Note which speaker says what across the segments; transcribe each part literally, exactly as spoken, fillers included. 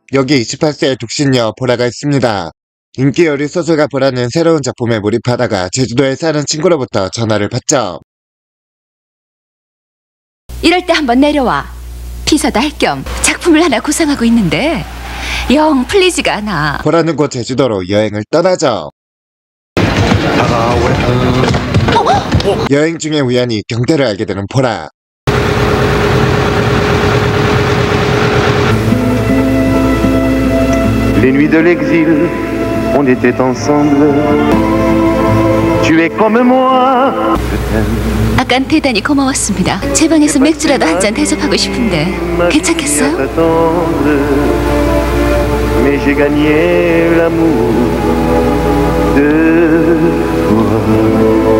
Speaker 1: 여기 이십팔 세의 독신녀 보라가 있습니다. 인기 요리 소설가 보라는 새로운 작품에 몰입하다가 제주도에 사는 친구로부터 전화를 받죠.
Speaker 2: 이럴 때 한번 내려와. 비서도 할 겸 작품을 하나 구상하고 있는데 영 풀리지가 않아.
Speaker 1: 보라는 곧 제주도로 여행을 떠나죠. 여행 중에 우연히 경태를 알게 되는 보라.
Speaker 3: Les nuits de l'exil, on était ensemble. Tu es comme moi.
Speaker 2: 아깐 대단히 고마웠습니다. 제 방에서 맥주라도 한 잔 대접하고 싶은데 괜찮겠어요?
Speaker 3: Mais j'ai gagné l'amour de toi.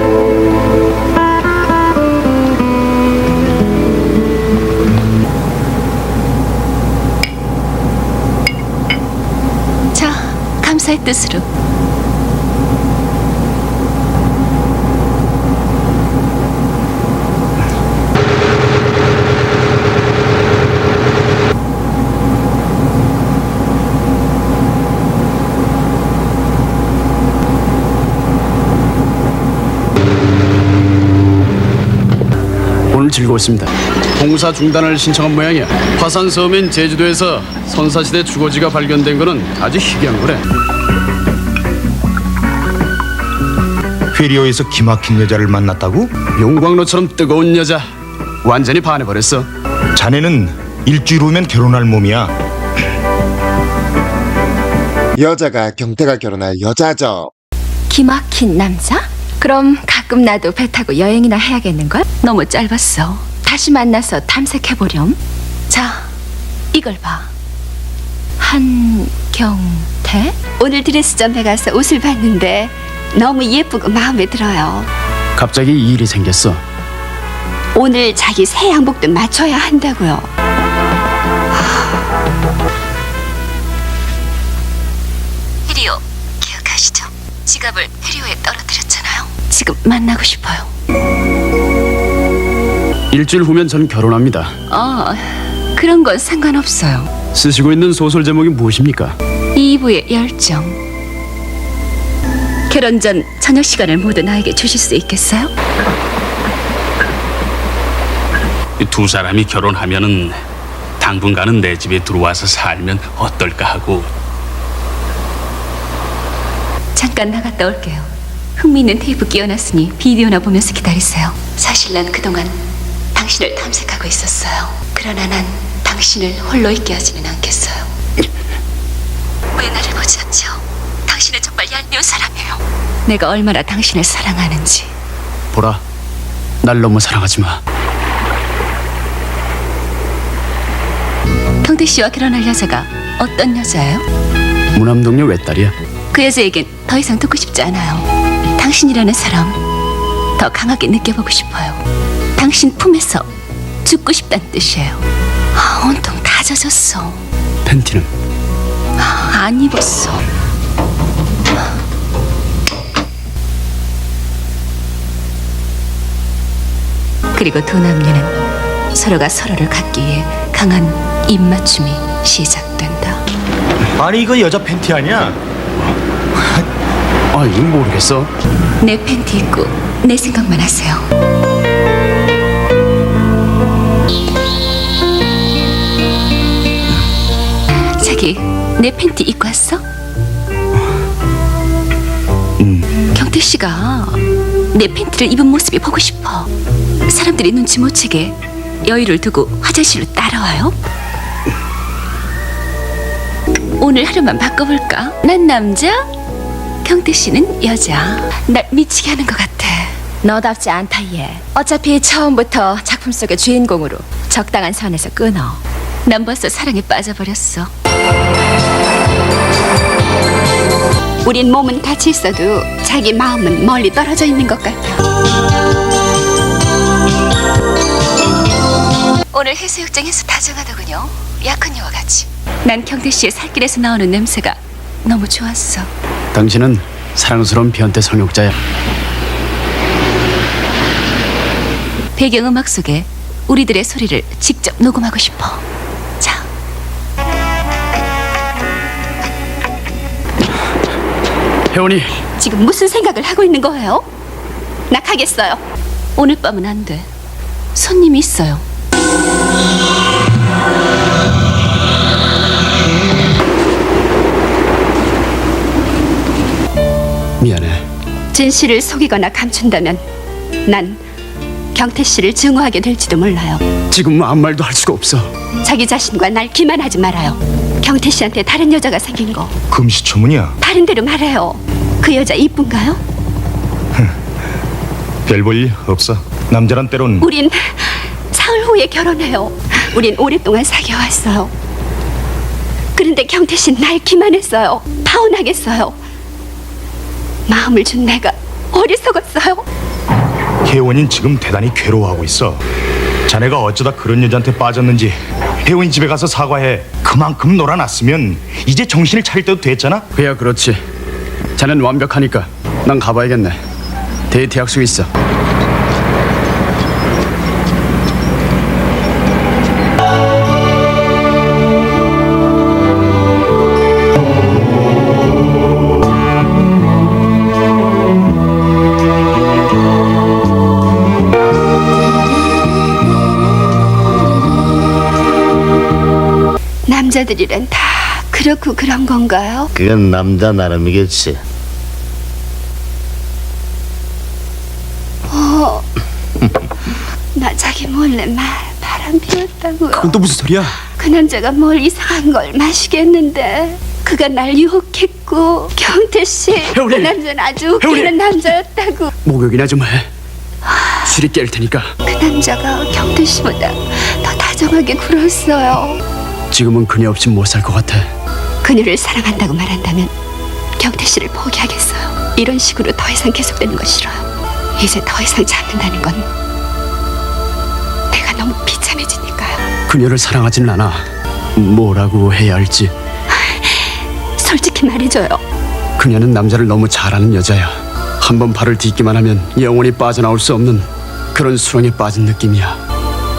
Speaker 2: 자, 감사의 뜻으로.
Speaker 4: 오늘 즐거웠습니다. 공사 중단을 신청한 모양이야. 화산 섬인 제주도에서 선사시대 주거지가 발견된 거는 아주 희귀한 거래.
Speaker 5: 페리오에서 기막힌 여자를 만났다고?
Speaker 4: 용광로처럼 뜨거운 여자. 완전히 반해버렸어.
Speaker 5: 자네는 일주일 후면 결혼할 몸이야.
Speaker 1: 여자가 경태가 결혼할 여자죠.
Speaker 2: 기막힌 남자? 그럼 가끔 나도 배 타고 여행이나 해야겠는걸? 너무 짧았어. 다시 만나서 탐색해보렴. 자, 이걸 봐. 한경태? 오늘 드레스점에 가서 옷을 봤는데 너무 예쁘고 마음에 들어요.
Speaker 4: 갑자기 이 일이 생겼어.
Speaker 2: 오늘 자기 새 양복도 맞춰야 한다고요. 페리오 기억하시죠? 지갑을 페리오에 떨어뜨렸잖아요. 지금 만나고 싶어요.
Speaker 4: 일주일 후면 전 결혼합니다.
Speaker 2: 어, 그런 건 상관없어요.
Speaker 4: 쓰시고 있는 소설 제목이 무엇입니까?
Speaker 2: 이부의 열정. 결혼 전 저녁 시간을 모두 나에게 주실 수 있겠어요?
Speaker 6: 이 두 사람이 결혼하면은 당분간은 내 집에 들어와서 살면 어떨까 하고.
Speaker 2: 잠깐 나갔다 올게요. 흥미있는 테이프 끼워놨으니 비디오나 보면서 기다리세요. 사실 난 그동안 당신을 탐색하고 있었어요. 그러나 난 당신을 홀로 있게 하지는 않겠어요. 왜 나를 보지 않죠? 당신은 정말 얄미운 사람이에요. 내가 얼마나 당신을 사랑하는지.
Speaker 4: 보라, 날 너무 사랑하지 마.
Speaker 2: 경태 씨와 결혼할 여자가 어떤 여자예요?
Speaker 4: 무남동료 외딸이야.
Speaker 2: 그 여자에겐 더 이상 듣고 싶지 않아요. 당신이라는 사람 더 강하게 느껴보고 싶어요. 당신 품에서 죽고 싶다는 뜻이에요. 아, 온통 다 젖었어.
Speaker 4: 팬티는?
Speaker 2: 아, 안 입었어. 그리고 두 남녀는 서로가 서로를 갖기 위해 강한 입맞춤이 시작된다.
Speaker 5: 아니 이거 여자 팬티 아니야?
Speaker 4: 아, 이건 모르겠어.
Speaker 2: 내 팬티 입고 내 생각만 하세요. 자기, 내 팬티 입고 왔어?
Speaker 4: 음.
Speaker 2: 경태 씨가 내 팬티를 입은 모습이 보고 싶어. 사람들이 눈치 못 채게 여유를 두고 화장실로 따라와요. 오늘 하루만 바꿔볼까? 난 남자, 경태 씨는 여자. 날 미치게 하는 것 같아. 너답지 않다 얘. 어차피 처음부터 작품 속의 주인공으로 적당한 선에서 끊어. 난 벌써 사랑에 빠져버렸어. 우린 몸은 같이 있어도 자기 마음은 멀리 떨어져 있는 것 같아. 오늘 해수욕장에서 다정하더군요. 약혼녀와 같이. 난 경태 씨의 살길에서 나오는 냄새가 너무 좋았어.
Speaker 4: 당신은 사랑스러운 변태 성욕자야.
Speaker 2: 배경음악 속에 우리들의 소리를 직접 녹음하고 싶어. 자.
Speaker 4: 혜원이,
Speaker 2: 지금 무슨 생각을 하고 있는 거예요? 나 가겠어요. 오늘 밤은 안 돼. 손님이 있어요.
Speaker 4: 미안해.
Speaker 2: 진실을 속이거나 감춘다면 난 경태 씨를 증오하게 될지도 몰라요.
Speaker 4: 지금 아무 말도 할 수가 없어.
Speaker 2: 자기 자신과 날 기만하지 말아요. 경태 씨한테 다른 여자가 생긴 거
Speaker 5: 금시초문이야.
Speaker 2: 다른 대로 말해요. 그 여자 이쁜가요?
Speaker 5: 별 볼 일 없어. 남자란 때론
Speaker 2: 우린 사흘 후에 결혼해요. 우린 오랫동안 사귀어왔어요. 그런데 경태 씨는 날 기만했어요. 파혼하겠어요. 마음을 준 내가 어리석었어요.
Speaker 5: 혜원이는 지금 대단히 괴로워하고 있어. 자네가 어쩌다 그런 여자한테 빠졌는지 혜원이 집에 가서 사과해. 그만큼 놀아놨으면 이제 정신을 차릴 때도 됐잖아.
Speaker 4: 그야 그렇지. 자넨 완벽하니까 난 가봐야겠네. 데이트 약속 있어.
Speaker 2: 남자들이란 다 그렇고 그런 건가요?
Speaker 7: 그건 남자 나름이겠지.
Speaker 2: 어, 나 자기 몰래 말 바람 피웠다고요.
Speaker 4: 그건 또 무슨 소리야?
Speaker 2: 그 남자가 뭘 이상한 걸 마시겠는데 그가 날 유혹했고 경태 씨 그
Speaker 4: 혜원이!
Speaker 2: 남자는 아주 웃기는 남자였다고.
Speaker 4: 목욕이나 좀 해. 술이 깰 테니까.
Speaker 2: 그 남자가 경태 씨보다 더 다정하게 굴었어요.
Speaker 4: 지금은 그녀 없이 못 살 것 같아.
Speaker 2: 그녀를 사랑한다고 말한다면 경태 씨를 포기하겠어요. 이런 식으로 더 이상 계속되는 거 싫어요. 이제 더 이상 참는다는 건 내가 너무 비참해지니까요.
Speaker 4: 그녀를 사랑하지는 않아. 뭐라고 해야 할지.
Speaker 2: 솔직히 말해줘요.
Speaker 4: 그녀는 남자를 너무 잘 아는 여자야. 한번 발을 딛기만 하면 영원히 빠져나올 수 없는 그런 수렁에 빠진 느낌이야.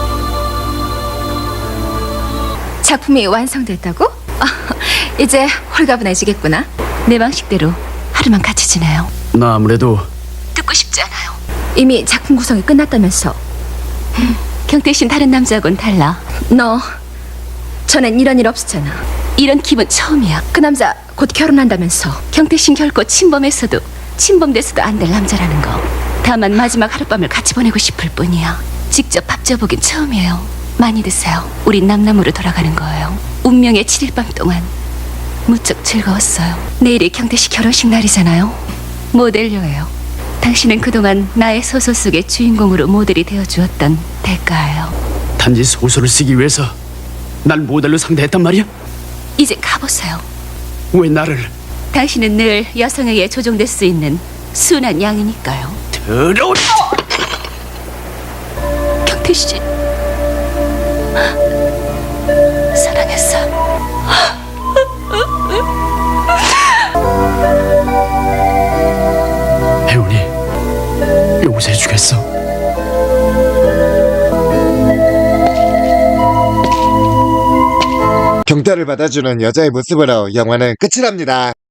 Speaker 8: 작품이 완성됐다고? 아, 이제 홀가분해지겠구나.
Speaker 2: 내 방식대로 하루만 같이 지내요.
Speaker 4: 나 아무래도
Speaker 2: 듣고 싶지 않아요.
Speaker 8: 이미 작품 구성이 끝났다면서.
Speaker 2: 경태 씨는 다른 남자하고는 달라.
Speaker 8: 너 전엔 이런 일 없었잖아.
Speaker 2: 이런 기분 처음이야.
Speaker 8: 그 남자 곧 결혼한다면서.
Speaker 2: 경태 씨는 결코 침범했어도 침범돼서도 안 될 남자라는 거. 다만 마지막 하룻밤을 같이 보내고 싶을 뿐이야. 직접 밥 줘보긴 처음이에요. 많이 드세요. 우린 남남으로 돌아가는 거예요. 운명의 칠 일 밤 동안 무척 즐거웠어요. 내일이 경태 씨 결혼식 날이잖아요. 모델료예요. 당신은 그동안 나의 소설 속의 주인공으로 모델이 되어주었던 대가예요.
Speaker 4: 단지 소설을 쓰기 위해서 날 모델로 상대했단 말이야?
Speaker 2: 이제 가보세요.
Speaker 4: 왜 나를?
Speaker 2: 당신은 늘 여성에게 조종될 수 있는 순한 양이니까요.
Speaker 4: 더러운...
Speaker 2: 경태 씨 사랑했어.
Speaker 4: 혜원이 용서해주겠어?
Speaker 1: 경태를 받아주는 여자의 모습으로 영화는 끝이 납니다.